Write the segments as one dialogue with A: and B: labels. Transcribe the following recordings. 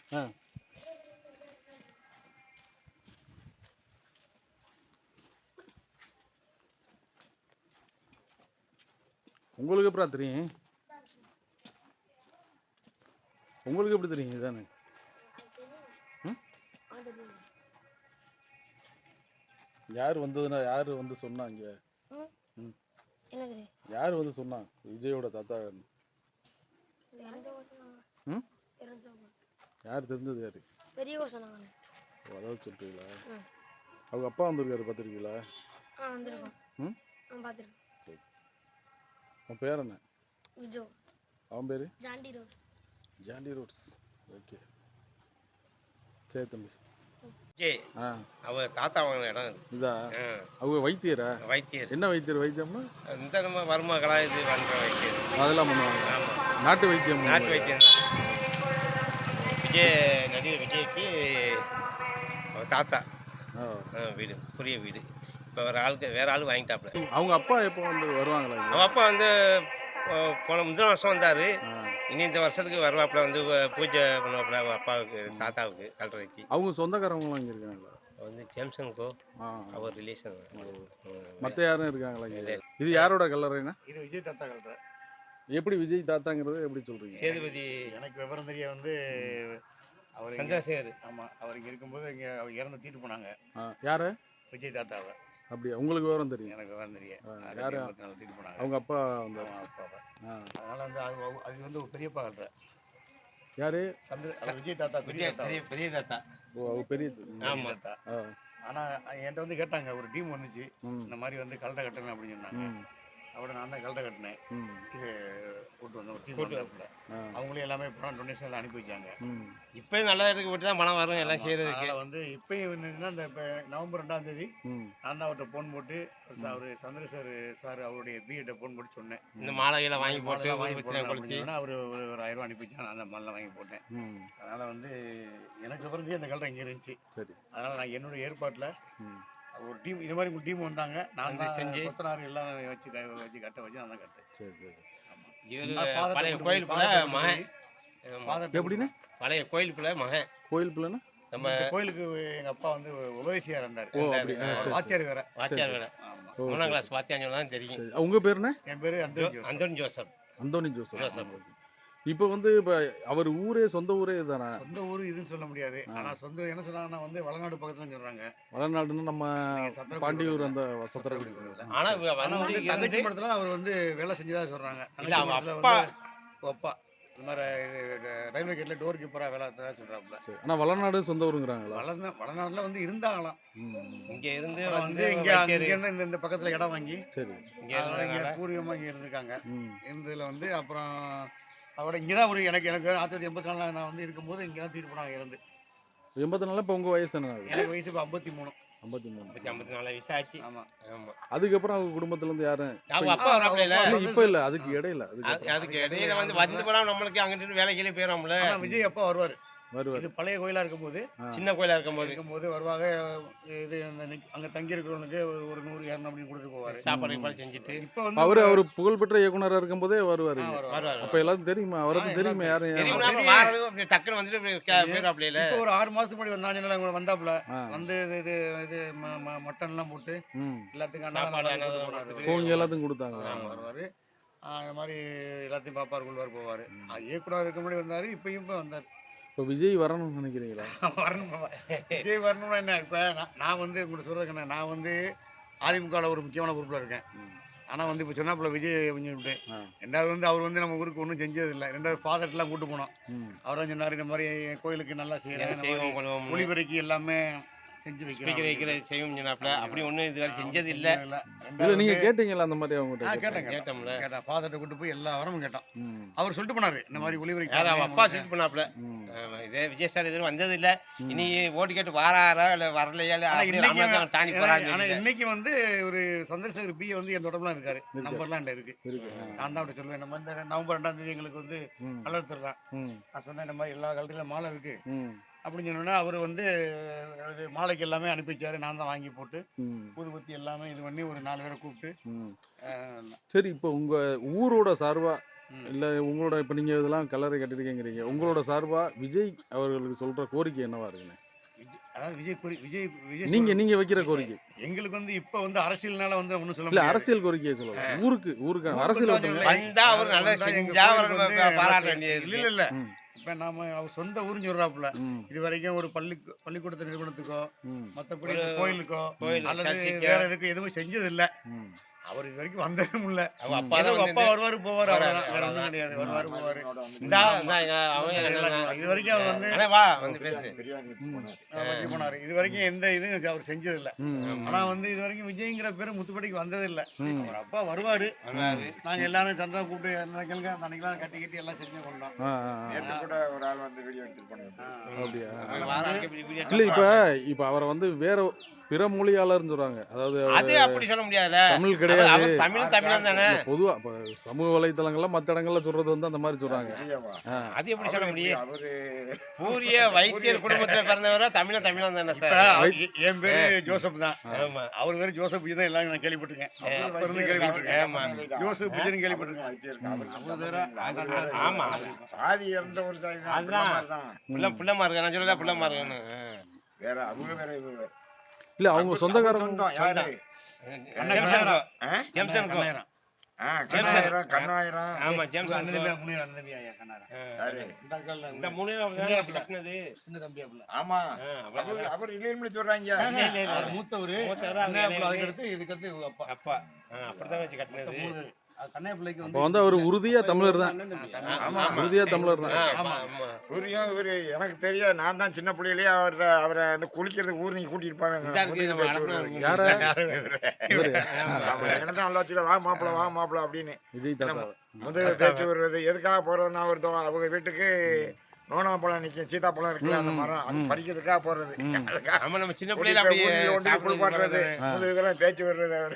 A: ஆ. உங்களுக்கு எப்படா தெரியும்? உங்களுக்கு எப்படி தெரியும் இதானே? யார் வந்ததுன்னா யார் வந்து சொன்னாங்க? யார் வந்து சொன்னா விஜயோட தாத்தா? யார் தெரிஞ்சது யாரு?
B: பெரியவங்க சொன்னாங்க.
A: அதாவது சொல்றீங்களா? அவங்க அப்பா வந்திருக்காரு, பார்த்துருக்கீங்களா?
B: வந்திருக்கோம். பார்த்துருக்கேன்.
A: சரி. அவன் பேர் என்ன?
B: விஜோ.
A: அவன் பேரு?
B: Jonty Rhodes.
A: Jonty Rhodes. Okay, சரி தம்பி.
C: அவங்க தாத்தா வாங்கின இடம்
A: இதா? அவங்க வைத்தியரா?
C: வைத்தியர்.
A: என்ன வைத்தியர்? வைத்தியம்னா
C: இந்த நம்ம மருமகளா இது பண்ணுற வைத்தியர்.
A: அதெல்லாம் பண்ணுவாங்க.
C: ஆமாம்,
A: நாட்டு வைத்தியம்.
C: நாட்டு வைத்தியம் தான். நடிகர் விஜய்க்கு தாத்தா வீடு, புரிய வீடு. இப்போ வேற ஆள் வாங்கிட்டாப்புல.
A: அவங்க அப்பா எப்போ வந்து வருவாங்களா?
C: அவங்க அப்பா வந்து போன முந்தின வருஷம் வந்தார். இனி இந்த வருஷத்துக்கு வருவாப்புல, வந்து பூஜை பண்ணுவாப்புல அவங்க அப்பாவுக்கு, தாத்தாவுக்கு கல்றைக்கு.
A: அவங்க சொந்தக்காரவங்களாம் இங்கே இருக்காங்களா?
C: வந்து ஜேம்சனுக்கோ அவர் ரிலேஷன்.
A: மற்ற யாரும் இருக்காங்களா இங்கே? இது யாரோட கல்லறைனா?
D: இது விஜய் தாத்தா கல்லறை.
A: எப்படி விஜய் தாத்தாங்கிறது எப்படி சொல்றீங்க?
C: சேதுபதி.
D: எனக்கு விவரம் தெரிய வந்து அவர்
C: சந்திரசேகர்.
D: ஆமாம், அவர் இங்கே இருக்கும்போது இங்கே அவர் இறந்து தூக்கிட்டு போனாங்க.
A: யாரு?
D: விஜய் தாத்தாவை.
A: அப்படியா? உங்களுக்கு விவரம் தெரியும்?
D: எனக்கு விவரம் தெரிய
A: யாரு?
D: தூக்கிட்டு போனாங்க
A: அவங்க அப்பா வந்து.
D: அப்பாவை. அதனால வந்து அது வந்து ஒரு பெரியப்பா கல்ற.
A: யாரு?
D: விஜய் தாத்தா. பெரிய
C: தாத்தா.
A: ஓ, அவங்க பெரிய
D: தாத்தா. ஆனால் என்கிட்ட வந்து கேட்டாங்க, ஒரு டீம் வந்துச்சு இந்த மாதிரி வந்து கல்ற கட்டணும் அப்படின்னு சொன்னாங்க. அவட நான் தான் கல்ற கட்டினேன். இது கூட்டு வந்தோம், ஒரு டீம் வந்தாப்புல. அவங்களே எல்லாமே பணம் டொனேஷன் எல்லாம் அனுப்பி வச்சாங்க.
C: இப்போயும் நல்ல இடத்துக்கு போட்டு தான் பணம் வரும் எல்லாம் செய்யறதுக்கு.
D: அதனால் வந்து இப்போயும் என்னன்னா, இந்த இப்போ நவம்பர் 2ஆம் தேதி நான் தான் அவர்கிட்ட ஃபோன் போட்டு அவர் சந்திரசேகர் சார் அவருடைய பிஎட்டை ஃபோன் போட்டு சொன்னேன், இந்த
C: மாலைகளை வாங்கி போட்டு
D: அவர் ஒரு 1000 ரூபா அனுப்பி வச்சாங்க. நான் அந்த மாலை வாங்கி போட்டேன். அதனால் வந்து எனக்கு பிறந்து அந்த கல்ற இங்கே இருந்துச்சு. அதனால் நான் என்னுடைய ஏற்பாட்டில் ஒரு டீம், இது மாதிரி ஒரு டீம் வந்தாங்க. நான் தான் செஞ்சு கொத்தனார் எல்லாம் வச்சு கட்ட வச்சு நான் தான் கட்டேன்.
A: சரி சரி.
C: பழைய கோயிலுக்குள்ள மகன்.
A: எப்படின்னு?
C: பழைய கோயிலுக்குள்ள மகன்.
A: கோயில் பிள்ளைன்னா
D: நம்ம கோயிலுக்கு எங்கள் அப்பா வந்து உபதேசியாக இருந்தார். வாத்தியார் வேற.
C: வாத்தியார் வேற. 3ஆம் கிளாஸ் வாத்தியார் தான் தெரியும்.
A: உங்க பேர் என்ன?
D: என் பேர்
C: அந்தோனி ஜோசப்.
A: Anthony Joseph. இப்போ வந்து இப்போ அவர் ஊரே சொந்த ஊரே தானே?
D: சொந்த ஊர் இதுன்னு சொல்ல முடியாது. ஆனால் சொந்த என்ன சொன்னாங்கன்னா வந்து வளநாடு பக்கத்துல சொல்றாங்க.
A: வளநாடுன்னு நம்ம பாண்டியூர் அந்த சத்திரக்குடி.
C: ஆனால்
D: தங்கச்சி படத்துல அவர் வந்து வேலை செஞ்சதா சொல்றாங்க. அப்பா இந்த மாதிரி ரயில்வே கேட்ல டோர் கீப்பராக வேலை தான் சொல்றாப்புல.
A: ஆனால் வளநாடு சொந்த ஊருங்கிறாங்களா?
D: வளநாடுல வந்து இருந்தாங்களாம்.
C: இங்க இருந்து
D: வந்து இங்க இந்த பக்கத்துல இடம் வாங்கி இங்க பூர்வமா இங்க இருந்திருக்காங்க. இருந்ததுல வந்து அப்புறம் அவட இங்கதான் ஒரு எனக்கு 1984 நான் வந்து இருக்கும்போது இங்கதான் தீர்ப்பு போனாங்க இருந்து.
A: 84. இப்போ உங்க வயசு என்ன?
D: எனக்கு வயசு இப்போ 53.
C: 54 வயசு ஆச்சு.
D: ஆமா.
A: அதுக்கப்புறம் அவங்க குடும்பத்துல இருந்து யாரும்
C: அவங்க அப்பா வரப்பல இல்ல.
A: இப்ப இல்ல, அதுக்கு இடையில
C: வந்து போனா நம்மளுக்கு அங்கிட்டு வேலைக்கு போயிடும்ல.
D: விஜய் அப்பா வருவாரு. இது பழைய கோயிலா இருக்கும்போது,
C: சின்ன கோயிலா இருக்கும்போது
D: வருவாங்க. இது அங்க தங்கி இருக்கிறவனுக்கு ஒரு 100-200 அப்படின்னு கொடுத்து போவாரு.
C: சாப்பாடு செஞ்சுட்டு.
D: இப்ப வந்து
A: அவரு புகழ்பெற்ற இயக்குனரா இருக்கும் போதே வருவாரு. அப்ப எல்லாரும் தெரியுமா? அவருக்கு தெரியுமா? யாரும்
C: டக்குன்னு வந்துட்டு போயிடாப்ல.
D: இப்போ ஒரு 6 மாசத்துக்கு முன்னாடி வந்தாங்க. வந்தாப்புல வந்து இது மட்டன் எல்லாம் போட்டு எல்லாத்துக்கும்
A: எல்லாத்துக்கும் கொடுத்தாங்க.
D: வருவாரு. அந்த மாதிரி எல்லாத்தையும் பாப்பாரு, கொள்வார், போவாரு. இயக்குனர் இருக்க முன்னாடி வந்தாரு. இப்பயும் வந்தாரு.
A: இப்போ விஜய் வரணும்னு நினைக்கிறீங்களா?
D: வரணும். விஜய் வரணும்னா என்ன? இப்போ நான் வந்து உங்களுக்கு சொல்கிறேன், நான் வந்து அதிமுகவில் ஒரு முக்கியமான பொறுப்பில் இருக்கேன். ஆனால் வந்து இப்போ சொன்னாப்புல விஜய் விட்டு 2வது வந்து அவர் வந்து நம்ம ஊருக்கு ஒன்றும் செஞ்சதில்லை. 2வது ஃபாதர்ட்டெலாம் கூட்டு போனோம். அவர் தான் சொன்னார், இந்த மாதிரி கோயிலுக்கு நல்லா செய்கிறேன், ஒளிபெருக்கி எல்லாமே செஞ்சு
C: வைக்கிற செய்யும் சொன்னாப்புல. அப்படி ஒன்றும் இதுவரை செஞ்சது இல்லை.
A: நீங்க கேட்டீங்களா அந்த மாதிரி? அவங்க
D: கேட்டோம்ல. ஃபாதர்ட்ட கூட்டு போய் எல்லா வரமும் கேட்டோம். அவர் சொல்லிட்டு போனாரு, இந்த மாதிரி ஒளிபெருக்கி.
C: அப்பா சொல்லிட்டு போனாப்புல. இதே விஜய் சார் எதுவும் வந்தது இல்லை. இனி ஓட்டு கேட்டு வாராரா இல்லை வரலையா தாண்டி போறாங்க.
D: ஆனால் இன்னைக்கு வந்து ஒரு சந்திரசேகர் பி வந்து என் தொடர்புலாம் இருக்காரு. நம்பர்லாம் இருக்கு. நான் தான் அப்படி சொல்லுவேன், நம்ம இந்த நவம்பர் 2ஆம் தேதி எங்களுக்கு வந்து கலர் தர்றான். நான் சொன்னேன், இந்த மாதிரி எல்லா கலர்லையும் மாலை இருக்கு அப்படின்னு சொன்னோன்னா அவர் வந்து மாலைக்கு எல்லாமே அனுப்பி வச்சாரு. நான் தான் வாங்கி போட்டு ஊதுபத்தி எல்லாமே இது பண்ணி ஒரு 4 பேரை கூப்பிட்டு.
A: சரி, இப்போ உங்க ஊரோட சார்பா இல்லை உங்களோட இப்போ நீங்கள் இதெல்லாம் கல்லறை கட்டிருக்கீங்கிறீங்க, உங்களோட சார்பாக விஜய் அவர்களுக்கு சொல்கிற கோரிக்கை என்னவா இருக்குண்ணே?
D: அதாவது விஜய்
A: நீங்கள் வைக்கிற கோரிக்கை
D: எங்களுக்கு வந்து இப்போ வந்து அரசியல்னால வந்து ஒன்றும் சொல்ல
A: இல்லை,
D: முடியாது.
A: அரசியல் கோரிக்கையை சொல்லலாம். ஊருக்கு அரசியல் வந்து
C: வந்தா அவர் நல்லா செஞ்சா அவர் பாராட்ட வேண்டியது.
D: இல்ல இல்ல இப்ப நாம அவர் சொந்த ஊருன்னு சொல்றாப்புல.
A: ம்,
D: இது வரைக்கும் ஒரு பள்ளிக்கூடத்து நிறுவனத்துக்கோ
A: ம்,
D: மத்தபடி
C: ஒரு
D: கோயிலுக்கோ
C: கோயில்,
D: அல்லது
C: சர்ச்சுக்கோ.
D: வேற எதுக்கும் எதுவும் செஞ்சது இல்ல.
A: ம்.
D: அவர் இது வரைக்கும் வந்ததும் இல்ல.
C: அவங்க அப்பா
D: ஏதோ
C: தான்
D: அப்பா வருவாரு போவாரு,
C: வராரு,
D: அவ்வளவுதான். வேற ஒண்ணும்
C: அவ்வளவுதான்.
D: கிடையாது. வருவாரு போவாரு.
C: அவங்க
D: இது வரைக்கும் அவர் வந்து
C: அண்ணே வா வந்து பேசு.
D: வச்சு போனாரு. இது வரைக்கும் எந்த இதுவும் அவர் செஞ்சது இல்ல.
A: ம்,
D: ஆனா வந்து இது வரைக்கும் விஜய்ங்கிற பேரு முத்துப்படிக்கு வந்தது இல்ல.
A: ம்.
D: அவர் அப்பா வருவாரு.
C: வராரு.
D: நாங்க எல்லாரும் சந்தா கூப்பிட்டு நினைக்கலுங்க அன்னைக்கெல்லாம் கட்டி எல்லாம் செஞ்சு கொண்டோம்.
A: ஆ, ஆ, ஆ.
E: நேத்து கூட ஒரு ஆள் வந்து வீடியோ எடுத்துட்டு போனாரு.
A: அப்படியா?
C: அவங்க வாராங்க, இப்படி வீடியோ
A: இல்லை,
C: எடுத்து
A: இப்போ அவரை வந்து வேற பிற மொழியாளர்னு சொல்றாங்க. அதாவது
C: அது அப்படி சொல்ல முடியாதுல்ல.
A: தமிழ் கிடையாது.
C: அவர் தமிழன் தானே.
A: பொதுவா இப்போ சமூக வலைத்தளங்கள்ல மற்ற இடங்கள்ல சொல்றது வந்து அந்த மாதிரி சொல்றாங்க.
E: விஜயவா?
A: ஆ.
C: அது எப்படி சொல்ல முடியும்?
E: அவரு
C: பூரிய வைத்தியர் குடும்பத்துல பிறந்தவரா தமிழன் தானே
D: இப்ப
C: சார்.
D: என் பேரு ஜோசப் தான்.
C: ஆமா.
D: அவர் பேரு ஜோசப் தான் எல்லாம் நான் கேள்விப்பட்டிருக்கேன். அப்ப இருந்து கேள்விப்பட்டிருக்கேன்.
C: ஆமா.
D: ஜோசப் விஜயன் கேள்விப்பட்டிருக்கேன்.
E: வைத்தியர்
D: வேற,
C: ஆமா.
E: சாதி இறந்த ஒரு சாதி தான்.
C: அதுதான்.
E: அந்த மாதிரி தான்.
C: புள்ளமா இருக்க நான் சொல்லல புள்ளமா இருக்குன்னு.
E: வேற அவங்க வேற இவங்க வேற.
A: இல்ல அவங்க
E: அவர்
A: சொந்தக்காரங்க.
E: சொந்தம் யாரு?
C: ஜெம்சன்
E: ஆ?
C: ஜெம்சன்
D: கண்ணாயிரம்.
E: ஆ, கண்ணாயிரம், கண்ணாயிரம்.
C: ஆமா
D: அண்ணன்
C: ஜெம்சன்
D: பேர் முனியர், அண்ணன் தம்பி ஐயா கண்ணாயிரம்.
E: யாரு?
D: இந்த அக்கால
C: இந்த மூணு கட்டினது.
D: சின்ன தம்பி அப்பல.
E: ஆமா.
C: அவ்வளவு
E: அவர் இல்லைன்னு சொல்றாங்க.
D: அவர் மூத்தவரு.
C: மூத்தவரு,
D: அண்ணன்
C: அவங்க
D: அப்பல, அதுக்கடுத்து இதுக்கடுத்து இவங்க அப்பா.
C: அப்பா அப்படிதான் வச்சு கட்டினது.
D: மூணு. கண்ணாய பிள்ளைக்கு
A: அப்ப வந்து அவர் உறுதியா தமிழர் தான்.
E: ஆமா.
A: உறுதியா தமிழர் தான்.
C: ஆமா ஆமா.
E: இவரு எனக்கு தெரியும். நான் தான் சின்ன பிள்ளையிலேயே அவரை அந்த குளிக்கிறதுக்கு ஊர் நீங்க கூட்டிட்டு
C: இதா இருக்கு, நம்ம
E: போவாங்க.
A: யார? இவரு.
E: என்னதான் நல்லா வச்சுல வா மாப்பிள அப்படின்னு
A: விஜய் தாத்தா.
E: முதல் பேச்சு வருவது எதுக்காக போறதுன்னா ஒருத்தவங்க அவங்க வீட்டுக்கு நோனா பழம் நிற்கும், சீதாப்பழம் இருக்குல்ல அந்த மரம், அது பறிக்கிறதுக்காக போறது.
C: ஆமா நம்ம சின்ன பிள்ளைல அப்படியே
E: குளிப்பாட்டுறது
C: சாப்பிடுறது.
E: இதெல்லாம் பேச்சு வர்றது அவரு.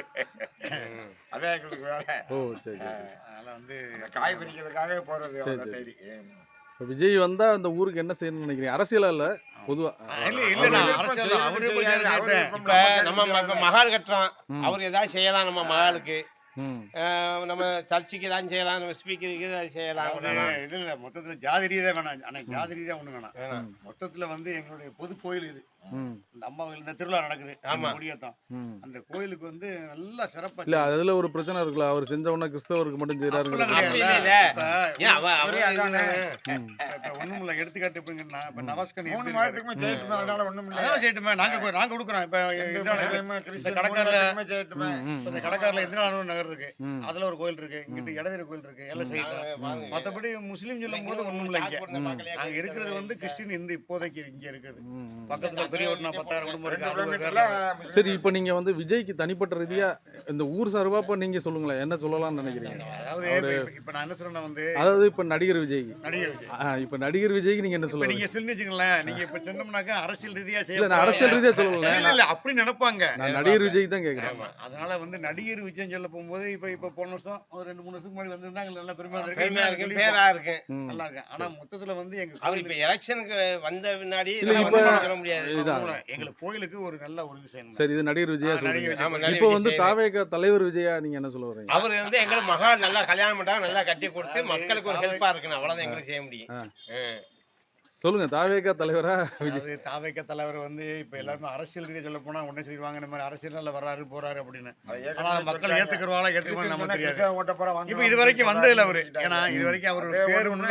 E: அதான் எங்களுக்கு வேலை.
A: ஓ சரி சரி.
D: அதனால வந்து
E: அந்த காய் பறிக்கிறதுக்காக போறது அவங்க தேடி.
A: இப்ப விஜய் வந்தா அந்த ஊருக்கு என்ன செய்யணும்னு நினைக்கிறீங்க? அரசியலா இல்ல, பொதுவா.
D: இல்ல நான் அரசியல் அவரே போய் கேட்டேன்.
C: இப்ப நம்ம மகால் கட்டுறோம், அவர் ஏதாவது செய்யலாம் நம்ம மகாலுக்கு.
A: ம்.
C: நம்ம சர்ச்சுக்கு ஏதாவது செய்யலாம், நம்ம ஸ்பீக்கருக்கு ஏதாவது செய்யலாம்.
D: இது இல்ல மொத்தத்துல ஜாதி ரீதியா வேணாம். ஆனா ஜாதி ரீதியா ஒண்ணு வேணாம்.
C: வேணாம்.
D: மொத்தத்துல வந்து எங்களுடைய பொது கோயில் இது.
A: ம்.
D: இந்த அம்மா கோயில், இந்த திருவிழா நடக்குது.
C: ஆமா.
D: முடியத்தான்
A: ம்.
D: அந்த கோயிலுக்கு வந்து நல்லா சிறப்பா
A: இல்ல அதுல ஒரு பிரச்சனை இருக்குல்ல, அவர் செஞ்ச உடனே கிறிஸ்தவருக்கு மட்டும் செய்யறாருங்கிறது.
D: அப்படி
C: அப்படி இல்ல. ஏன்
E: ஒரே அதானே.
D: ஒண்ணும் இல்ல. எடுத்துக்காட்டு இப்ப இப்ப நவாஸ்கன்
E: 3 மாதத்துக்குமே செய்யட்டுமே, அதனால ஒண்ணும் இல்லை.
D: அதான் செய்யட்டுமே. நாங்க கொடுக்குறோம். இப்ப
E: கிறிஸ்டியன்
D: கடைக்காரர்ல
E: செய்யட்டுமே.
D: இந்த கடைக்காரர்ல எதிரானூர் நகர் இருக்கு.
A: ம்.
D: அதுல ஒரு கோயில் இருக்கு. இங்கிட்டு இடவேறு கோயில் இருக்கு. எல்லாம் செய்யலாம். மத்தபடி முஸ்லீம் சொல்லும் போது ஒண்ணும் இல்ல. இங்க நாங்க இருக்கிறது வந்து கிறிஸ்டின் இந்த இப்போதைக்கு இங்க இருக்குது. பக்கத்துல பெரிய ஒரு 10,000 குடும்பம் இருக்கு. அது ஒரு வேற.
A: சரி, இப்ப நீங்க வந்து விஜய்க்கு தனிப்பட்ட ரீதியா இந்த ஊர் சார்பா இப்ப நீங்க சொல்லுங்களேன், என்ன சொல்லலாம்னு நினைக்கிறீங்க?
D: அதாவது இப்ப நான் என்ன சொல்றேன்னா வந்து
A: அதாவது இப்ப நடிகர் விஜய்.
D: நடிகர் விஜய்.
A: இப்ப நடிகர் விஜய்க்கு நீங்க என்ன
D: இப்ப
A: சொல்லுங்க?
D: நீங்க சொல்லி வச்சுங்களேன். நீங்க இப்ப சொன்னோம்னாக்கா அரசியல் ரீதியா
A: இல்ல
D: செய்ய
A: நான் அரசியல் ரீதியா சொல்லல,
D: இல்ல அப்படி நினைப்பாங்க.
A: நான் நடிகர் விஜய் தான் கேக்குறேன்.
C: ஆமா.
D: அதனால வந்து நடிகர் விஜய் சொல்ல போகும்போது இப்ப போன வருஷம் ஒரு 2-3 வருஷத்துக்கு முன்னாடி வந்திருந்தாங்க. நல்ல பெருமையா
C: பெருமையா இருக்கு,
D: இருக்கு.
C: பேரா இருக்கு.
A: ம்.
D: நல்லா இருக்கு. ஆனா மொத்தத்துல வந்து எங்க
C: அவர் இப்ப எலெக்ஷனுக்கு வந்த பின்னாடி
A: இல்ல,
C: நம்ம
A: இப்ப-
C: வந்து சொல்ல முடியாது.
A: இதுதான்.
D: எங்களுக்கு கோயிலுக்கு ஒரு நல்ல ஒரு விஷயம்.
A: சரி, இது நடிகர் விஜயா
D: நடிகர்
A: சொல்றீங்க.
D: விஜய்.
C: ஆமா, நடிகர்
A: இப்போ வந்து
C: விஜய்.
A: தாவேக தலைவர் விஜயா நீங்க என்ன சொல்ல வரீங்க?
C: அவர் வந்து எங்களுக்கு மகால் நல்லா கல்யாணம் பண்ணாங்க, நல்லா கட்டி கொடுத்து மக்களுக்கு ஒரு ஹெல்ப்பா இருக்கணும், அவ்வளவுதான் எங்களுக்கு செய்ய முடியும்.
A: சொல்லுங்க, தாவேக தலைவரா விஜய்?
D: அதாவது தாவேக தலைவர் வந்து இப்ப எல்லாருமே அரசியல் ரீதியா சொல்ல போனா உடனே சொல்லுவாங்க இந்த மாதிரி அரசியல்ல வர்றாரு போறாரு அப்படின்னு. ஆனா மக்கள் ஏத்துக்குறவாங்களா ஏத்துக்குவாங்க நமக்கு தெரியாது. இப்ப இது வரைக்கும் வந்ததில்ல அவரு. ஏன்னா இது வரைக்கும் அவரோட பேர் ஒண்ணு.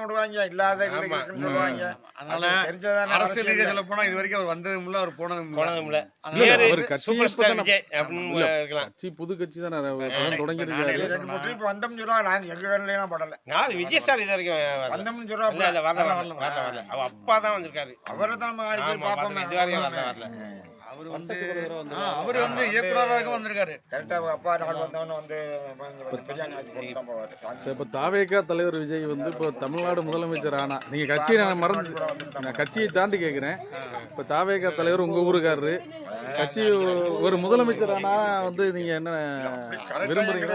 D: அதனால அரசியல் ரீதியா சொல்ல போனா இது வரைக்கும் அவர் வந்ததும் இல்ல, அவர் போனதும் இல்ல.
A: இல்ல,
C: பேரு
A: அவர் கட்சியை
C: சூப்பர் ஸ்டார்
A: பத்தி
C: விஜய் அப்படின்னு இருக்கலாம்.
A: கட்சி புது கட்சி தான் தொடங்கிருக்காரு.
C: நான் விஜய் சார் இது வரைக்கும் இல்ல இல்ல வரல. அவ அப்பா தான் வந்திருக்காரு.
E: அவரை தான்
C: ஆமா, வரல. இது வரைக்கும் வரல.
D: அவர் வந்து இயக்குனராக வந்திருக்காரு.
E: கரெக்டா அப்பா நாள் வந்தவன வந்து பிரியாணி ஆக்கி போட்டு தான் போவாரு.
A: சரி, இப்ப தாவேக தலைவர் விஜய் வந்து இப்போ தமிழ்நாடு முதலமைச்சர் ஆனா, நீங்க கட்சியை நான் மறந்து, நான் கட்சியை தாண்டி கேட்கிறேன். இப்ப தாவேக தலைவர் உங்க ஊருக்காரரு, கட்சி ஒரு முதலமைச்சர் ஆனா வந்து நீங்க என்ன விரும்புறீங்க?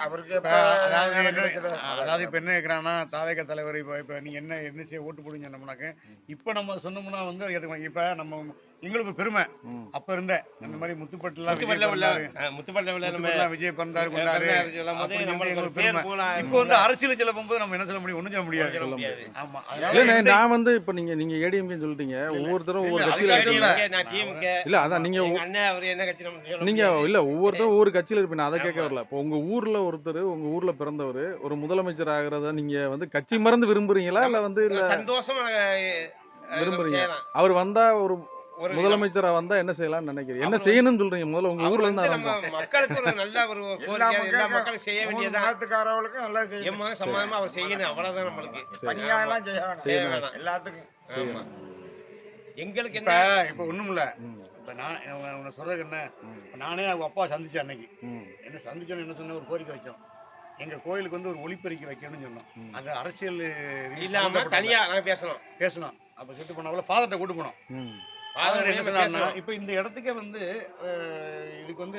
D: அதாவது இப்ப என்ன கேக்குறான்னா தாவேக தலைவர் இப்ப நீங்க என்ன செய்ய ஓட்டு போடுங்க சொன்னோம்னாக்க இப்ப நம்ம சொன்னோம்னா வந்து இப்ப நம்ம எங்களுக்கு ஒரு பெருமை.
A: ம்.
D: அப்ப இருந்த இந்த மாதிரி முத்துப்பட்டுலாம்
C: முத்துப்பட்டில் உள்ள நம்ம
D: முத்துப்பட்டுலாம் விஜய் பிறந்தாரு கொண்டாரு
C: சொல்லும் போது
D: அப்படின்னு
C: நம்மளுக்கு ஒரு
D: எங்களுக்கு
C: பேர்
D: பெருமை.
C: போல
D: இப்போ வந்து அரசியல் சொல்ல போகும்போது நம்ம என்ன சொல்ல முடியும்? ஒண்ணும் சொல்ல முடியாது.
C: சொல்ல முடியாது.
D: ஆமா.
A: இல்லண்ணே
D: அதனால
A: நான் வந்து இப்ப நீங்க ஏடிஎம்கே சொல்லிட்டீங்க, ஒவ்வொருத்தரும் ஒவ்வொரு
D: இல்ல,
A: கட்சியில
D: அதுக்காக
A: இருக்கீங்க.
D: இல்ல.
C: நான் டீமுக்கு
A: இல்ல அதான் நீங்க
C: எங்க அண்ணன் அவர் என்ன கட்சி நம்ம சொல்ல
A: நீங்க
C: முடியாது.
A: இல்ல ஒவ்வொருத்தரும் ஒவ்வொரு கட்சியில இருப்பீங்க, அதை கேட்க
C: ஆமா.
A: வரல. இப்போ உங்க ஊர்ல ஒருத்தர் உங்க ஊர்ல பிறந்தவர் ஒரு முதலமைச்சர் ஆகிறத நீங்க வந்து கட்சி மறந்து விரும்புறீங்களா இல்ல வந்து இல்ல
C: சந்தோஷமா
A: விரும்புறீங்க?
C: செய்யலாம்.
A: அவர் வந்தா ஒரு
C: ஒரு
A: முதலமைச்சரா வந்தா என்ன செய்யலாம்னு நினைக்கிறீங்க? என்ன
C: அவர்
A: செய்யணும்னு சொல்றீங்க? முதல்ல உங்க
C: அவர்
A: ஊர்ல
C: வந்து
A: இருந்து
C: நம்ம
A: ஆரம்பிப்போம்.
C: மக்களுக்கு ஒரு நல்ல ஒரு
E: எல்லா
C: கோரிக்கை, எல்லா மக்களும்
E: மக்களுக்கும்
C: செய்ய
E: மூணு
C: வேண்டியதான்.
E: மதத்துக்காரவங்களுக்கும் நல்லா செய்யணும்.
C: எம்மா சமாதமா அவர் செய்யணும், அவ்வளவுதான் நம்மளுக்கு.
E: தனியா எல்லாம் செய்ய வேணாம்.
C: செய்ய வேணாம்.
E: எல்லாத்துக்கும்
C: ஆமா. எங்களுக்கு
D: இப்ப
C: என்ன
D: இப்ப ஒண்ணும் இல்ல.
A: ம்,
D: இப்ப நான் உன்னை சொல்றதுக்கு என்ன,
A: ம்,
D: இப்ப நானே அவங்க அப்பா சந்திச்சேன் அன்னைக்கு.
A: ம்,
D: என்ன சந்திச்சோன்னு என்ன சொன்ன, ஒரு கோரிக்கை வச்சோம். எங்க கோயிலுக்கு வந்து ஒரு ஒளிப்பெருக்கி வைக்கணும்னு சொன்னோம்.
A: ம்.
D: அது அரசியல்
C: இல்லாம தனியா நான் பேசணும்.
D: பேசணும். அப்ப செட்டு பண்ணால ஃபாதர்ட்ட கூட்டு போனோம்.
A: ம்,
D: ஃபாதர் என்ன சொன்னாருன்னா,
C: பேசணும்.
D: இப்ப இந்த இடத்துக்கே வந்து இதுக்கு வந்து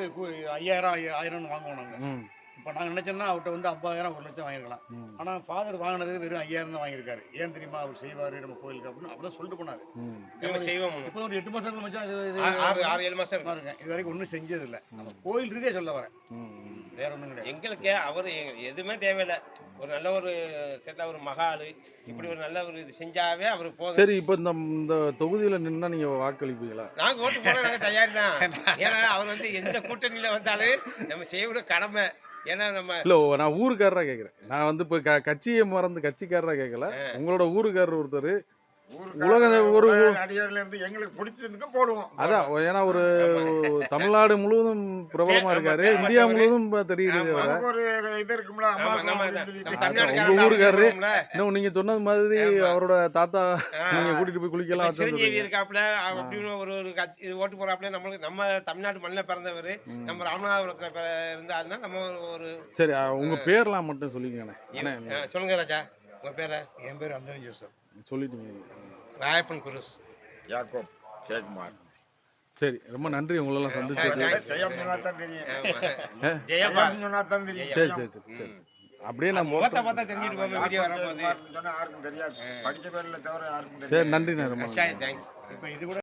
D: 5000 வாங்குவோம் நாங்க.
A: ம்,
D: இப்ப நாங்க நினைச்சோம்னா அவர்கிட்ட வந்து 50,000 1,00,000 வாங்கிருக்கலாம்.
A: ம்,
D: ஆனா ஃபாதர் வாங்கினது வெறும் 5000 தான் வாங்கியிருக்காரு. ஏன் தெரியுமா? அவர் செய்வாரு நம்ம கோயிலுக்கு அப்படின்னு அப்படிதான் சொல்லிட்டு போனாரு.
A: ம்.
C: நம்ம செய்வோம்.
D: இப்போ ஒரு 8 மாசம் மச்சான்
C: ஆறு 7 மாசம் இருக்கு.
D: இருக்கேன். இது வரைக்கும் ஒன்றும் செஞ்சது இல்லை. நம்ம கோயில் ரீதியா சொல்ல வரேன்,
A: ம்.
D: வேற ஒண்ணும் கிடையாது.
C: எங்களுக்கு அவர் எதுவுமே தேவையில்லை. ஒரு நல்ல ஒரு செட்டா ஒரு மகாலு இப்படி ஒரு நல்ல ஒரு இது செஞ்சாவே அவர் போதும்.
A: சரி, இப்போ இந்த தொகுதியில நின்னா நீங்க வாக்களிப்பீங்களா?
C: நாங்க ஓட்டு போட நாங்க தயார் தான். ஏன்னா அவர் வந்து எந்த கூட்டணியில வந்தாலும் நம்ம செய்யக்கூடிய கடமை. ஏன்னா நம்ம
A: இல்ல நான் ஊருக்காரரா கேக்குறேன். நான் வந்து இப்ப கட்சியை மறந்து கட்சிக்காரரா கேட்கல. உங்களோட ஊருக்காரர் ஒருத்தர் உலக ஒரு
E: நடிகர்ல இருந்து எங்களுக்கு பிடிச்சதுக்கு போடுவோம்.
A: அதான் ஏன்னா ஒரு தமிழ்நாடு முழுவதும் பிரபலமா இருக்காரு, இந்தியா முழுவதும் இப்ப தெரியுது வர.
E: நமக்கு ஒரு இது இருக்கும்ல, அம்மா
C: ஆமா, நம்ம
E: அப்படின்னு
C: நம்ம
E: சொல்லிட்டு.
C: தமிழ்நாட்டுக்காரர்
A: உங்க ஊருக்காரரு.
C: இருக்கோம்ல.
A: இன்னும் நீங்க சொன்னது மாதிரி
C: ஆமா.
A: அவரோட தாத்தா
C: ஆ.
A: நீங்க கூட்டிட்டு போய் குளிக்கலாம்
C: இப்ப சிரஞ்சீவி
A: வச்சிருந்தீங்க.
C: இருக்காப்புல அப்படின்னு ஒரு இது ஓட்டு போறாப்புல. நம்மளுக்கு நம்ம தமிழ்நாட்டு மண்ணில் பிறந்தவர்.
A: ம்.
C: நம்ம ராமநாதபுரத்துல இருந்தாருன்னா நம்ம ஒரு
A: சரி, உங்க பேர்லாம் மட்டும் சொல்லிக்கங்கண்ணே. அண்ணே,
C: சொல்லுங்க ராஜா உங்க பேரை.
D: என் பேர் அந்தனி ஜோசப்.
A: சொல்லிட்டீங்க.
C: ராயப்பன் குருஸ்.
E: யாக்கோப் ஜெயக்குமார்.
A: சரி, ரொம்ப நன்றி உங்களெல்லாம் சந்திச்சது.
E: ஜெயம் சொன்னா தான் தெரியும்.
C: ஜெயப்பா
E: ஜெயம் சொன்னா தான் தெரியும்.
A: சரி சரி சரி சரி. அப்படியே நான்
C: முகத்தை பார்த்தா தெரிஞ்சுட்டு போங்க வீடியோ
E: யாக்கோப்
C: வரும்போது.
E: ஜெயக்குமார்னு சொன்னா யாருக்கும் தெரியாது. படிச்ச பேர்ல தவிர யாருக்கும் தெரியாது.
A: சரி, நன்றிண்ணே ரொம்ப நன்றி.
C: தேங்க்ஸ்.
D: இப்போ இது கூட